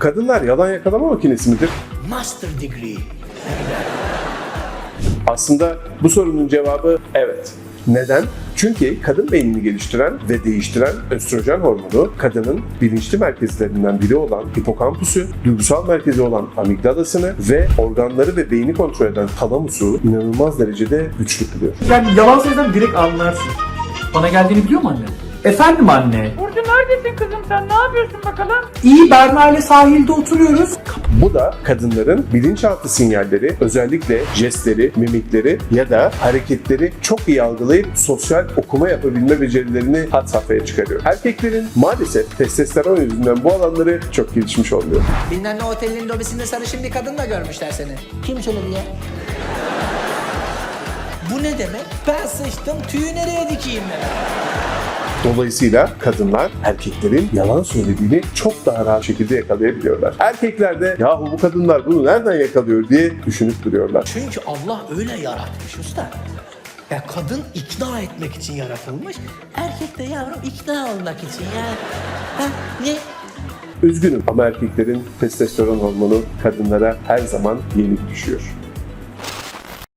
Kadınlar yalan yakalama makinesi midir? Master degree. Aslında bu sorunun cevabı evet. Neden? Çünkü kadın beynini geliştiren ve değiştiren östrojen hormonu, kadının bilinçli merkezlerinden biri olan hipokampusu, duygusal merkezi olan amigdalasını ve organları ve beyni kontrol eden talamusu inanılmaz derecede güçlü kılıyor. Yani yalan söylesem direkt anlarsın. Bana geldiğini biliyor mu anne? Efendim anne. Burcu neredesin kızım sen? Ne yapıyorsun bakalım? İyi, Berna ile sahilde oturuyoruz. Bu da kadınların bilinçaltı sinyalleri, özellikle jestleri, mimikleri ya da hareketleri çok iyi algılayıp sosyal okuma yapabilme becerilerini had safhaya çıkarıyor. Erkeklerin maalesef testosteron yüzünden bu alanları çok gelişmiş olmuyor. Bilmem ne otelin lobisinde sarışın bir kadınla görmüşler seni. Kim söyledi ya? Bu ne demek? Ben sıçtım, tüyü nereye dikeyim ben? Dolayısıyla kadınlar erkeklerin yalan söylediğini çok daha rahat şekilde yakalayabiliyorlar. Erkekler de yahu bu kadınlar bunu nereden yakalıyor diye düşünüp duruyorlar. Çünkü Allah öyle yaratmış usta. Ya kadın ikna etmek için yaratılmış, erkek de yavrum ikna olmak için ya. Ha, ne? Üzgünüm ama erkeklerin testosteron hormonu kadınlara her zaman yenik düşüyor.